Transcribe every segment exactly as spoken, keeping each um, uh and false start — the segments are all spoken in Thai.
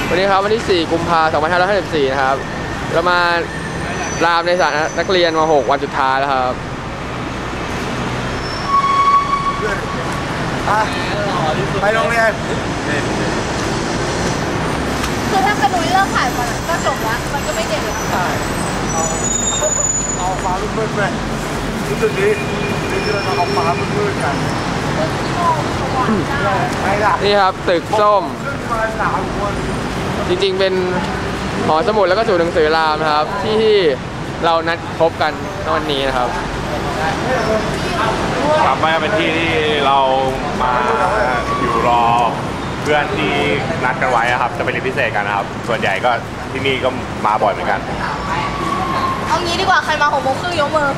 วันนี้ครับวันที่สี่กุมภาพันธ์สองพันห้าร้อยห้าสิบสี่นะครับเรามารามในสถานนักเรียนม หก วันสุดท้ายแล้วครับไปโรงเรียนคือถ้ากระดุยเลิกขายก่อนก็จบแล้วมันก็ไม่เด็ดแล้วใช่เอาเอาฟ้ามืดๆไปรู้สึกดีนี่คือเราเอาฟ้ามืดๆกันนี่ครับตึกส้มจริงๆเป็นหอสมุดแล้วก็ศูนย์หนังสือรามนะครับที่เรานัดพบกันในวันนี้นะครับกลับมาเป็นที่ที่เรามาอยู่รอเพื่อนที่นัดกันไว้ครับจะไปเรียนพิเศษกันนะครับส่วนใหญ่ก็ที่นี่ก็มาบ่อยเหมือนกันเอางี้ดีกว่าใครมาหกโมงครึ่งยกมือ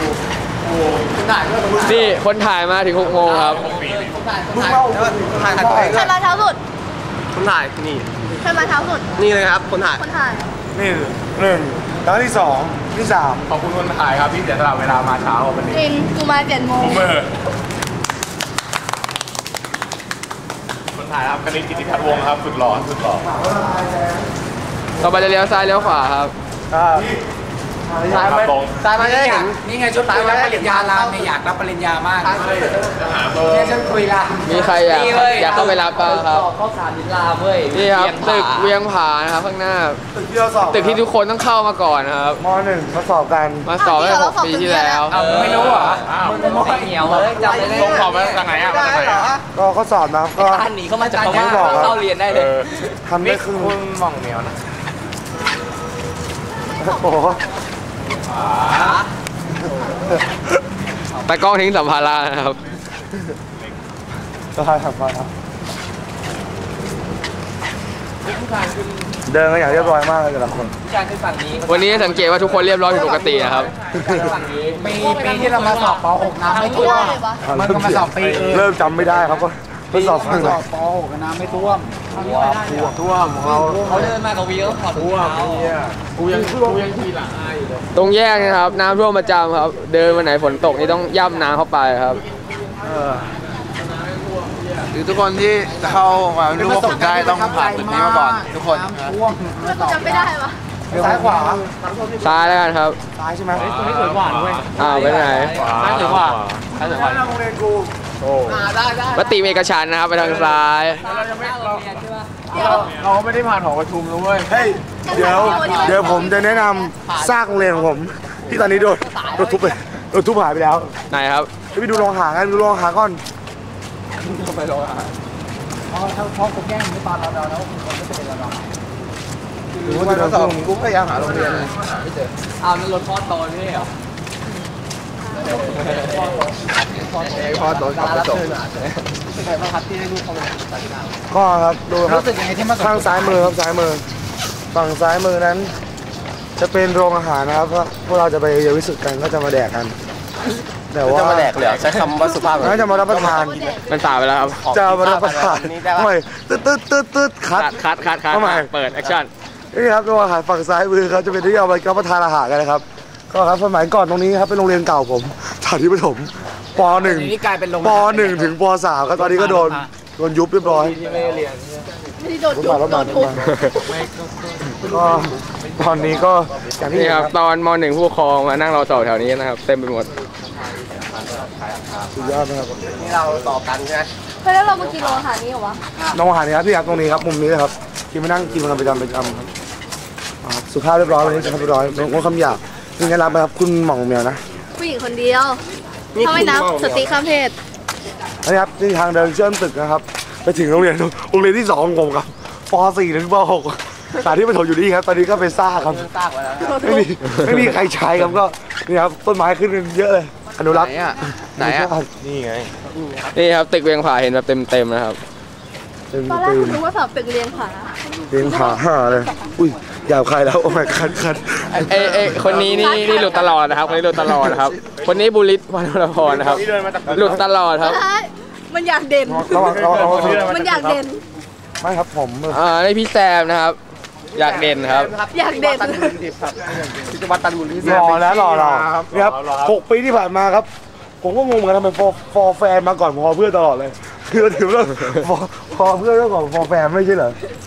นี่คนถ่ายมาถึงหกโมงครับมึงเล่าถ่ายถ่ายใครมาเช้าสุดคนถ่ายนี่ใครมาเช้าสุดนี่เลยครับคนถ่ายคนถ่ายนี่หนึ่งแล้วที่สองที่สามขอบคุณคนถ่ายครับที่เสียสละเวลามาเช้าวันนี้อินกูมาเจ็ดโมงคนถ่ายครับคณิตกิติพัฒน์วงศ์ครับสุดหล่อสุดหล่อต่อไปจะเลี้ยวซ้ายเลี้ยวขวาครับซ้ายมาซ้ายมาได้เห็นนี่ไงชุดรับปริญญารามเนี่ยอยากรับปริญญามากเนี่ยฉันคุยละมีใครอยากอยากเข้าไปรับบ้างครับข้อสารดินรามเว้ยนี่ครับตึกเวียงผานะครับข้างหน้าตึกที่เราสอบตึกที่ทุกคนต้องเข้ามาก่อนนะครับม.หนึ่งมาสอบกันมาสอบตั้งแต่หกปีที่แล้วไม่รู้เหรอมึงไม่เหนียวเลยจำได้ต้องสอบมาจากไหนอ่ะก็ข้อสอบนะก็ท่านหนีเข้ามาจากเขาเข้าเรียนได้เลยทำได้ครึ่งมึงมองเหนียวนะโอ้โหตากล้องทิ้งสัมภาระนะครับก็ให้สัมภาระเดินกันอย่างเรียบร้อยมากเลยแต่ละคนวันนี้สังเกตว่าทุกคนเรียบร้อยผิดปกตินะครับปีปีที่เรามาสอบป หก น้ำไม่ท่วมมันก็มาสอบปีเริ่มจำไม่ได้ครับก็เพิ่งสอบฝั่งไหนป หก น้ำไม่ท่วมท่วมท่วมของเราเขาเดินมากับวิวขอท่วมกูยังกูยังทีหลังอายอยู่เลยตรงแยกนะครับน้ำท่วมประจำครับเดินวันไหนฝนตกนี่ต้องย่ำน้ำเข้าไปครับหรือทุกคนที่เข้ามารู้ว่าผมได้ต้องผ่านจุดนี้มาก่อนทุกคนจำไม่ได้ปะซ้ายขวาซ้ายแล้วกันครับซ้ายใช่ไหมตรงนี้สวยกว่าด้วยอ้าวไปไหนซ้ายสวยกว่าซ้ายสวยกว่าโรงเรียนกูโอ้มติเอกฉันนะครับไปทางซ้ายเราไม่ได้ผ่านหอประชุมเลยเฮ้ยเดี๋ยวเดี๋ยวผมจะแนะนำสร้างโรงเรียนของผมที่ตอนนี้โดนโดนทุบไปโดนทุบหายไปแล้วไหนครับไปดูโรงหากันดูโรงหาก่อนไปโรงหาอ๋อถ้าพ่อผมแกล้งไม่ตอนเราเราแล้วผมไม่เป็นเราหรือว่าจะสอบกูพยายามหาโรงเรียนไม่เจออ้าวนั่นรถพ่อโตนี่เหรอพ่อโตกับกระจกเป็นไงบ้างครับที่ให้ลูกเขามาตัดสินก็ครับดูครับรู้สึกยังไงที่มาข้างซ้ายมือครับซ้ายมือฝั่งซ้ายมือนั้นจะเป็นโรงอาหารนะครับเพราะพวกเราจะไปเยาวิสุทธิ์กันก็จะมาแดกกันแต่ว่าจะมาแดกเหรอใช้คำว่าสุภาพน่าจะมารับประทานมันสาไปแล้วครับจะมารับประทานทำไมตึ๊ดตึ๊ดตึ๊ดตึ๊ดคัดคัดคัดคัดทำไมเปิดแอคชั่นนี่ครับโรงอาหารฝั่งซ้ายมือเขาจะเป็นที่เอาไปรับประทานอาหารกันนะครับก็ครับสมัยก่อนตรงนี้ครับเป็นโรงเรียนเก่าผมสถานที่ประถมป.หนึ่ง ป.หนึ่ง ถึงป.สาม ครับตอนนี้ก็โดนโดนยุบเรียบร้อยไม่ได้โดนยุบโดนทุบก็ตอนนี้ก็อย่างที่นี่ครับตอนม.หนึ่งผู้ปกครองมานั่งรอสอบแถวนี้นะครับเต็มไปหมดสุดยอดนะครับนี่เราต่อกันใช่ไหมเฮ้ยแล้วเรามากินโรงอาหารนี้เหรอวะโรงอาหารนี้ครับพี่ครับตรงนี้ครับมุมนี้เลยครับกินมานั่งกินกันประจำประจำครับสุภาพเรียบร้อยวันนี้สุภาพเรียบร้อยงดคำหยาบนี่จะรับไหมครับคุณหม่องเมียวนะผู้หญิงคนเดียวถ้าไม่นับสติข้ามเพศนี่ครับนี่ทางเดินเชื่อมตึกนะครับไปถึงโรงเรียนโรงเรียนที่สองของผมครับป.สี่ ถึงป.หก สถานที่ประถมอยู่นี่ครับตอนนี้ก็เป็นซ่าครับไม่มีไม่มีใครใช้ครับก็นี่ครับต้นไม้ขึ้นเยอะเลยอนุรักษ์ไหนอ่ะนี่ไงนี่ครับตึกเวียงผาเห็นแบบเต็มๆนะครับตอนแรกคุณรู้ว่าสอบตึกเรียงผาเรียงผาห่าเลยอุ้ยยาวใครแล้วโอ้ยคันคันเอเอคนนี้นี่นี่หลุดตลอดนะครับคนนี้หลุดตลอดนะครับคนนี้บุริศวรรณพรนะครับหลุดตลอดครับมันอยากเด่นมันอยากเด่นไม่ครับผมอ่านี่พี่แซมนะครับอยากเด่นครับอยากเด่นพิจวัตรตันบุรีรอแล้วรอเรานี่ครับหกปีที่ผ่านมาครับผมก็งงเหมือนกันทำไมฟอร์แฟนมาก่อนพอเพื่อนตลอดเลยคือถือว่าพอเพื่อนเรื่องของฟอร์แฟนไม่ใช่เหรอ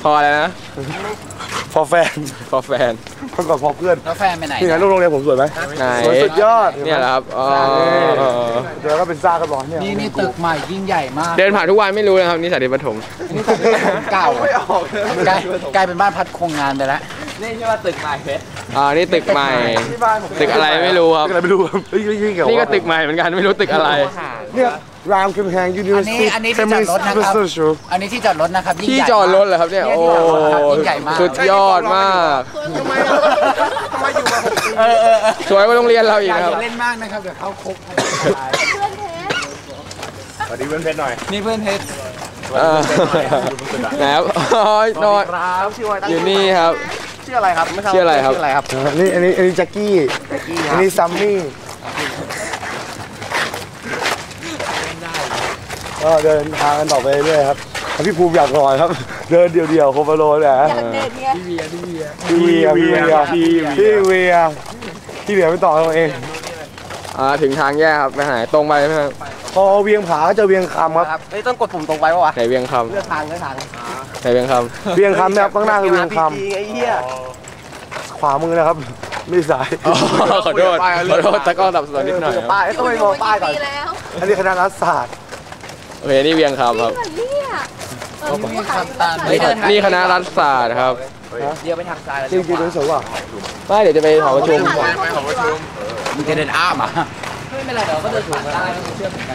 พออะไรนะพอแฟนพอแฟนเมื่อก่อนพอเพื่อนแล้วแฟนไปไหนนี่ไงลูกโรงเรียนผมสวยไหมไหนสวยสุดยอดเนี่ยแหละครับอ๋อเดี๋ยวก็เป็นซ่ากันร้อนเนี่ยนี่นี่ตึกใหม่ยิ่งใหญ่มากเดินผ่านทุกวันไม่รู้นะครับนี่สาธิตปฐมนี่ตึกเก่าไม่ออกกลายกลายเป็นบ้านพักโครงงานไปแล้วอ่านี่ตึกใหม่ ตึกอะไรไม่รู้ครับอะไรไม่รู้ครับเฮ้ยยิ่งเกี่ยวนี่ก็ตึกใหม่เหมือนกันไม่รู้ตึกอะไรเนี่ยรามคำแหงยูนิเวอร์ซิตี้อันนี้อันนี้ที่จอดรถนะครับ อันนี้ที่จอดรถนะครับยิ่งที่ใหญ่จอดรถเหรอครับเนี่ยนี่โอ้ที่จอดรถครับยิ่งใหญ่มากสุดยอดมากเออเออเออสวยกว่าโรงเรียนเราอีอก ย่านะครับเล่นมากนะครับเดี๋ยวเข้าคุกสวัสดีเพื่อนเพชรหน่อยนี่เพื่อนเพชรเออนะครับอ๋อนอนครับชื่อว่าอยู่นี่ครับชื่ออะไรครับชื่ออะไรครับชื่ออะไรครับนี่อันนี้อันนี้แจ็คกี้อันนี้ซัมมี่ก็เดินทางกันต่อไปเรื่อยๆครับพี่ภูมิอยากนอนครับ เดินเดี่ยวๆโคฟาโลเนี่ยอยากเด็ดไงพี่เวียพี่เวียพี่เวียพี่เวียพี่เวียไม่ต่อเราเองอ่าถึงทางแยกครับไปหาตรงไปไหมครับพอเวียงผาก็เจะเวียงคำครับเฮ้ยต้องกดปุ่มตรงไปปะวะไหนเวียงคเลือกทางเลือกทางำไหนเวียงคเวียงคำเนี่ยข้างหน้าคือเวียงคไอ้เหี้ยำขวามือนะครับไม่สายำอ๋อขอโทษขอโทษตะก้อดับสนนิดหน่อยครับป้ายต้องไปมองป้ายก่อนปีแล้วอันนี้คณะรัฐศาสตร์โอเคนี่เวียงคำครับเนี่ยเออมีขายนี่นี่คณะรัฐศาสตร์ครับเดี๋ยวไปทางซ้ายแล้วจริงๆเป็นสวยว่ะไม่เดี๋ยวจะไปหอประชุมมึงจะเดินอ้ามาไม่เป็นไรเดี๋ยวก็เดินถูกได้เชื่อมกัน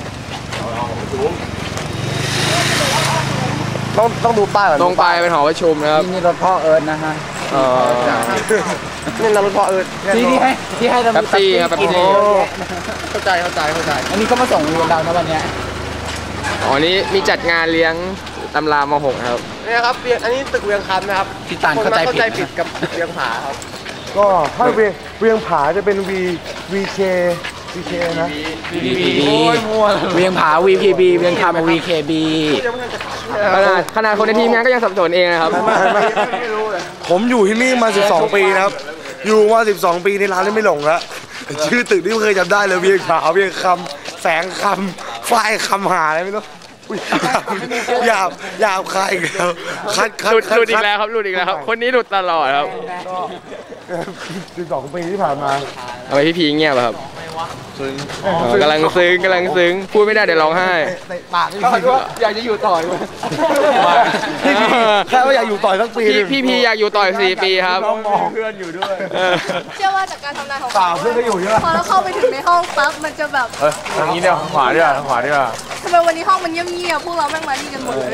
ต้องต้องดูป้ายก่อนตรงไปเป็นหอประชุมนะครับนี่รถพ่อเอิญนะฮะเอ่อนี่เราเป็นพ่อเอิญที่ที่ให้ที่ให้เราแป๊บซี่ครับแป๊บซี่เข้าใจเข้าใจเข้าใจอันนี้ก็มาส่งเรียนเรานะวันเนี้ยอ๋อนี่มีจัดงานเลี้ยงตำรามหกนะครับเนี่ยครับเวียงอันนี้ตึกเวียงคำนะครับพี่ตาลเข้าใจผิดกับเวียงผาครับก็ถ้าเวียงเวียงผาจะเป็น V VK VK นะโอ้ยมั่วเวียงผา วี พี บี เวียงคำ วี เค บีขนาดขนาดคนในทีมงานก็ยังสับสนเองนะครับผมอยู่ที่นี่มา สิบสอง ปีนะครับ อยู่มา สิบสอง ปีในร้านนี้ไม่หลงแล้วชื่อตึกที่ไม่เคยจำได้เลยเวียงผาเวียงคำแสงคำฝ้ายคำหาอะไรไม่รู้อุ๊ยหยาบหยาบคายอีกแล้วคัดคัดหลุดคัดหลุดอีกแล้วครับหลุดอีกแล้วครับ คนนี้หลุดตลอดครับสิบสอง ปีที่ผ่านมาทำไมพี่พีเงียบอะครับอ๋อกำลังซึ้งกำลังซึ้งพูดไม่ได้เดี๋ยวร้องไห้เตะปากอยากจะอยู่ต่อเลยพี่พีแค่ว่าอยากอยู่ต่อสักปีพี่พี่พีอยากอยู่ต่ออีกสี่ปีครับเพื่อนอยู่ด้วยเออเชื่อว่าจากการทำงานของเปล่าเพื่อนก็อยู่ใช่ไหมพอเราเข้าไปถึงในห้องปั๊บมันจะแบบทางนี้เนี่ยขวาด้วยทางขวาด้วยทำไมวันนี้ห้องมันเงียบๆพวกเราแม่งมานี่กันหมดเลย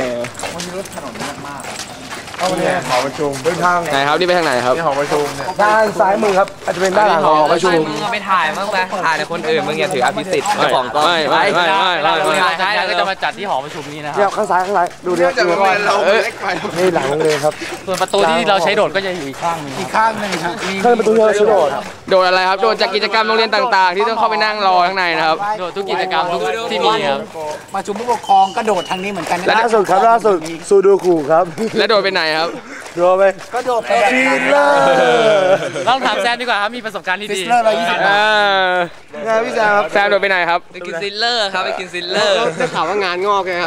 เอาเนี่ยหอประชุมเป็นทางไหนครับนี่ไปทางไหนครับนี่หอประชุมเนี่ยด้านซ้ายมือครับอาจจะเป็นด้านหลังของหอประชุมมึงเอาไปถ่ายบ้างไหมถ่ายแต่คนอื่นมึงอย่าถืออภิสิทธิ์ไม่ไม่ไม่ไม่ไม่ไม่เราไม่ใช้ก็จะมาจัดที่หอประชุมนี้นะคเนี่ยรับข้างซ้ายข้างซ้ายดูเนี่ยดูว่าเอ้ยนี่หลังโรงเรียนครับส่วนประตูที่เราใช้โดดก็จะอยู่อีกข้างหนึงอีกข้างหนึ่งครับมีเครื่องประตูที่เราใช้โดดโดดอะไรครับโดดจากกิจกรรมโรงเรียนต่างๆ ที่ต้องเข้าไปนั่งรอข้างในนะครับโดดทุกกิจกรรมทุกที่มีครับประชุมผู้ปกครองก็โดดทางนี้เหมือนกันนะล่าสุดครับล่าสุดซูดูคูครับและโดดไปไหนครับดูไปก็โดดไปฟิลเลอร์ต้องถามแซมดีกว่าครับมีประสบการณ์ที่ฟิดีสเลอร์ร้อยยี่สิบเออไงพี่แซมครับแซมโดดไปไหนครับไปกินซิลเลอร์ครับไปกินซิลเลอร์ได้ข่าวว่างานงอกไงครับ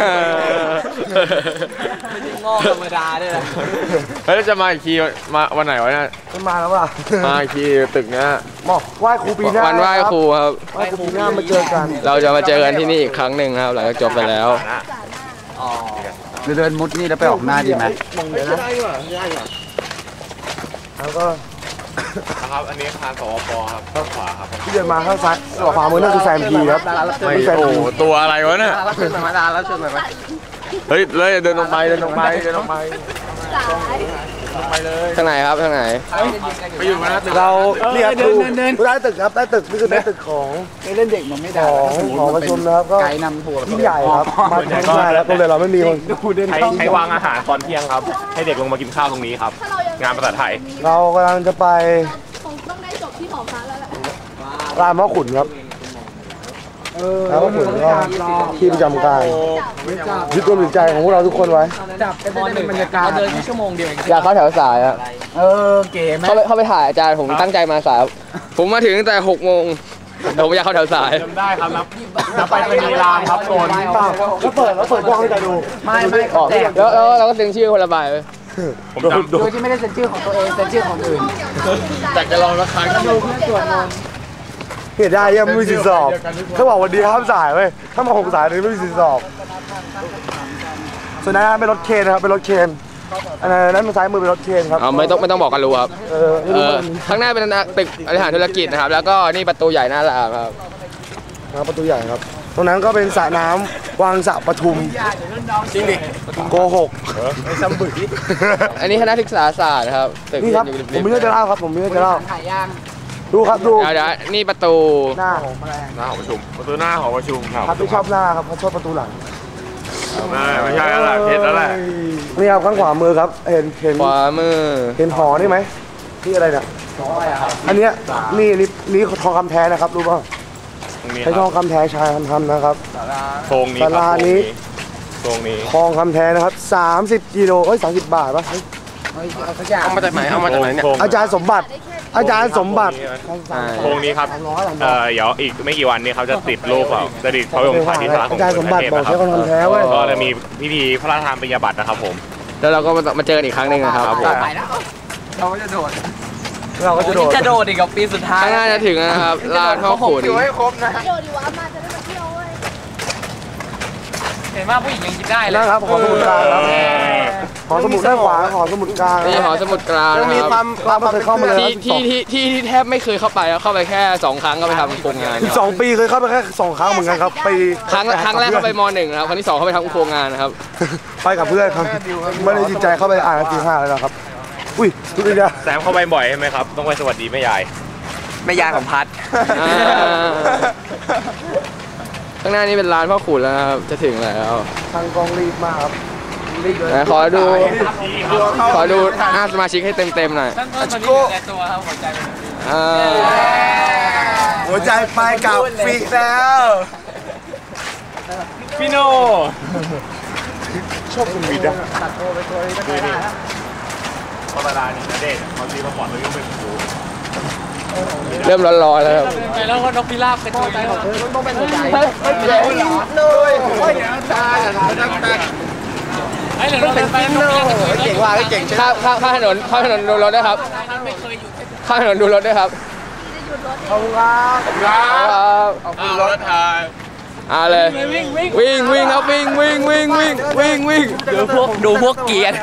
ไม่ใช่งอกธรรมดาด้วยนะเฮ้ยจะมาอีกทีมาวันไหนวะเนี่ยมันมาแล้วป่ะมาอีกทีตึกเนี้ยบอกไหว้ครูปีหน้าวันไหว้ครูครับไหว้ครูปีหน้ามาเจอกันเราจะมาเจอกันที่นี่อีกครั้งหนึ่งนะครับหลังจากจบไปแล้วเดินมุดนี่แล้วไปออกหน้าดีไหมแล้วก็นะครับ อันนี้อาคารสวปครับข้างขวาครับที่เดินมาข้างซ้ายขวามือนั่นคือแซมพีครับไม่แซมโอ้พีโหตัวอะไรวะเนี่ยรับเชิญมาดารับเชิญมาเฮ้ยเลยเดินลงไปเดินลงไปเดินลงไปสายทางไหนครับทางไหนไปอยู่มาแล้วตึกเราเนี่ยครูได้ตึกครับได้ตึกนี่คือได้ตึกของไปเล่นเด็กมันไม่ขได้องหอประชุมนะครับก็ไกด์นำทัวร์ยิ่งใหญ่ครับมาทั้งง่ายแล้วโรงเรียนเราไม่มีคนใช้ใช้วางอาหารตอนเที่ยงครับ ให้เด็กลงมากินข้าวตรงนี้ครับถ้าเรายังงานภาษาไทยเรากำลังจะไปคงต้องได้จบที่หอพักแล้วแหละรามพ่อขุนครับรามพ่อขุนก็ที่ประจำการยึดตัวจิตใจของพวกเราทุกคนไว้จับก็จะได้เป็นบรรยากาศเราเดินแค่ชั่วโมงเดียวเองอยากเข้าแถวสายอะเออเก๋ไหมเข้าไปเข้าไปถ่ายอาจารย์ผมตั้งใจมาสายครับผมมาถึงตั้งแต่หกโมงเราไม่อยากเข้าแถวสายจำได้ครับนับนับไปเป็นลีลาครับโซนเปล่าแล้วเปิดแล้วเปิดกล้องให้กันดูไม่ไม่ออกแล้วแล้วเราก็เซ็นชื่อคนละใบผมจำโดยที่ไม่ได้เซ็นชื่อของตัวเองเซ็นชื่อของอื่นแต่จะลองละครั้งดูเพื่อนส่วนนนเห็นได้ยังไม่มีสิทธิสอบเขาบอกวันดีห้ามสายเว้ยถ้ามาหกสายนี่ไม่มีสิทธิสอบส่วนนั้นเป็นรถเคนนะครับเป็นรถเคนอันนั้นมันซ้ายมือเป็นรถเคนครับเอาไม่ต้องไม่ต้องบอกกันรู้ครับเออไม่เอรู้อมันข้างหน้าเป็นตึกบริหารธุรกิจนะครับ แล้วก็นี่ประตูใหญ่หน้าร้านครับนะครับประตูใหญ่ครับ ตรงนั้นก็เป็นสระน้ำวังสระปทุมจริงดิโกหกอันนี้คณะศึกษาศาสตร์นะครับตึกนี่ครับอยู่ผมไม่ได้จะเล่าครับผมไม่ได้จะเล่าถ่ายย่างดูครับดูเดี๋ยวเดี๋ยวนี่ประตูหน้าหน้าหอประชุมประตูหน้าหอประชุมครับครับไม่ชอบหน้าครับเขาชอบประตูหลังไม่ไม่ใช่แล้วล่ะเพชรแล้วแหละนี่ครับข้างขวามือครับเห็นเห็นขวามือเห็นหอนี่ไหมนี่อะไรเนี่ยอันเนี้ยนี่นี่นี่ทองคำแท้นะครับรู้ป่ะตรงนี้ใช้คทรัอบ งคำแท้ชายทำนะครับโครงนี้ครับศาลานี้โครงนี้ทองคำแท้นะครับสามสิบกิโลเอ้ยสามสิบบาทป่ะเฮ้ยเอาสักอย่างเอามาจากไหนเอามาจากไหนเนี่ยโครงอาจารย์สมบัติ อาจารย์สมบัติโครงนี้ครับเอ่อเดี๋ยวอีกไม่กี่วันนี้เขาจะติดรูปเขาจะติดพระบรมฉายที่สาราของอาจารย์สมบัติบอกนะคใช้รับทองคำแท้เว้ยก็จะมีพิธีพระราชทานปริญญาบัตรนะครับผมแล้วเราก็มามาเจอกันอีกครั้งหนึ่งนะครับครับผมไปแล้วเราก็จะโดดเราก็จะโดดจะโดดอีกกับปีสุดท้ายข้างหน้าจะถึงนะครับลานพ่อขุนอยู่ให้ครบนะเดี๋ยวดีวะมาจะได้มาเที่ยวเว้ยเห็นว่าผู้หญิงยังยิ้มได้เลยนะครับหอสมุดกลางครับหอสมุดด้านขวาหอสมุดกลางนี่หอสมุดกลางยังมีนะคครัวาบมความเคยเข้ามาเลยที่ที่ที่ที่ที่แทบไม่เคยเข้าไปแล้วเข้าไปแค่สองครั้งก็ไปทำโครงงานสิบสองปีเคยเข้าไปแค่สองครั้งเหมือนกันครับไปครั้งครั้งแรกเข้าไปมหนึ่งนะครับครั้งที่สองเข้าไปทำโครงงานนะครับไปกับเพื่อนครับไม่ได้จิตใจเข้าไปอ่านหนังสือห้าเลยนะครับอุ้ยทุกทีเดียวแซมเข้าไปบ่อยใช่ไหมครับต้องไปสวัสดีแม่ยายแม่ยายของพัดอ่าข้างหน้านี่เป็นร้านพ่อขุนแล้วนะครับจะถึงแล้วทางกองรีบมากครับรีบเลยไหนขอดูขอดูหน้าสมาชิกให้เต็มๆหน่อยตั้งต้นตอนนี้อยู่แต่ตัวครับหัวใจเป็นแบบนี้อ่าหัวใจไปกับฟีแล้วพี่โนชอบคุณวิดอะธรรมดานี่นะเด็กบางทีมาก่อนเรายังเป็นครูเริ่มร้อนๆแล้วครับไปแล้วก็นกพิราบกระจุยของต้องเป็นหัวใจเลยโอ้ยตาตาตาไอ้เหลือเราไปนกพิราบกระจุยเก่งว่าเก่งใช่ไหมข้ามข้ามข้ามถนนข้ามถนนดูรถด้วยครับไม่เคยหยุดข้ามถนนดูรถด้วยครับขอบคุณครับครับเอารถทายเอาเลยวิ่งวิ่งครับวิ่งวิ่งวิ่งวิ่งวิ่งวิ่งดูพวกดูพวกเกียร์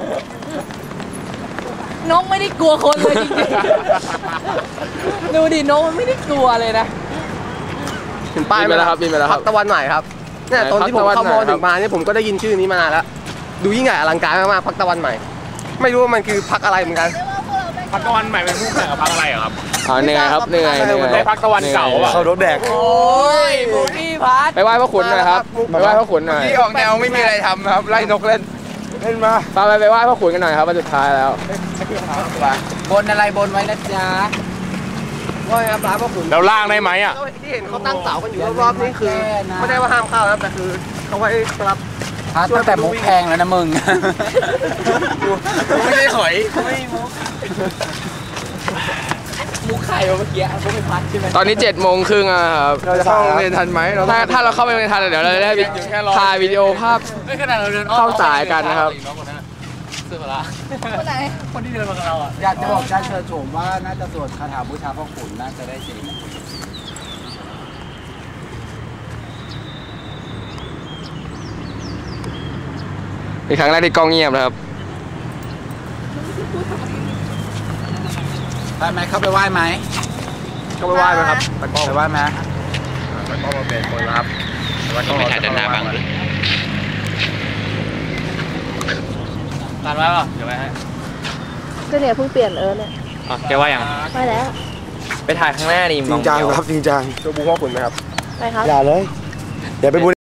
นกไม่ได้กลัวคนเลยจริงๆดูดินกมันไม่ได้กลัวเลยนะถึงป้ายไปแล้วครับบินไปแล้วครับตะวันใหม่ครับเนี่ยตอนที่ผมเข้ามอถึงมาเนี่ยผมก็ได้ยินชื่อนี้มานานแล้วดูยิ่งใหญ่อลังการมากๆพักตะวันใหม่ ไม่รู้ว่ามันคือพักอะไรเหมือนกันพักตะวันใหม่เป็นผู้แข่งกับพักอะไรอะครับอ๋อเหนื่อยครับเหนื่อยเหนื่อยได้พักตะวันเก่าอะเขารถแดกโอ้ยพวกพี่พัดไปไหว้พ่อขุนหน่อยครับไปไหว้พ่อขุนหน่อยที่ออกแนวไม่มีอะไรทำครับไล่นกเล่นเล่นมาไปไปไปไหว้พ่อขุนกันหน่อยครับวันสุดท้ายแล้วบนอะไรบนไว้นะจ๊ะว่าไงครับร้านพ่อขุนแล้วล่างได้ไหมอะที่เห็นเขาตั้งเสากันอยู่รอบๆนี่คือไม่ได้ว่าห้ามเข้าครับแต่คือเขาไว้รับพัดตั้งแต่มุกแพงแล้วนะมึงไม่ได้หอยมุกไข่เมื่อกี้พวกพี่พัดใช่ไหมตอนนี้เจ็ดโมงครึ่งอะครับเราจะเข้าโรงเรียนทันไหมเราถ้าถ้าเราเข้าไปในทันเดี๋ยวเราจะได้ถ่ายวิดีโอภาพไม่ขนาดเราเดินอ้อมเข้าสายกันนะครับเสื้อละคนไหนคนที่เดินมากับเราอ่ะอยากจะบอกอาจารย์เชิญชมว่าน่าจะสวดคาถาบูชาพ่อขุนน่าจะได้จริงเป็นครั้งแรกที่กล้องเงียบนะครับได้ไหมเข้าไปไหว้ไหมก็ไม่ว่าไหมครับไปไหว้ไหมมันก็มาเป็นคนรับแล้วก็ไม่ถ่ายด้านหน้าบ้างเลยตานไว้ป่ะเดี๋ยวไปให้ก็เนี่ยเพิ่งเปลี่ยนเออเนี่ยอ๋อแกว่ายังไปแล้วไปถ่ายข้างหน้าดิจริงจังครับจริงจังไปครับอย่าเลยอย่าไปบุญ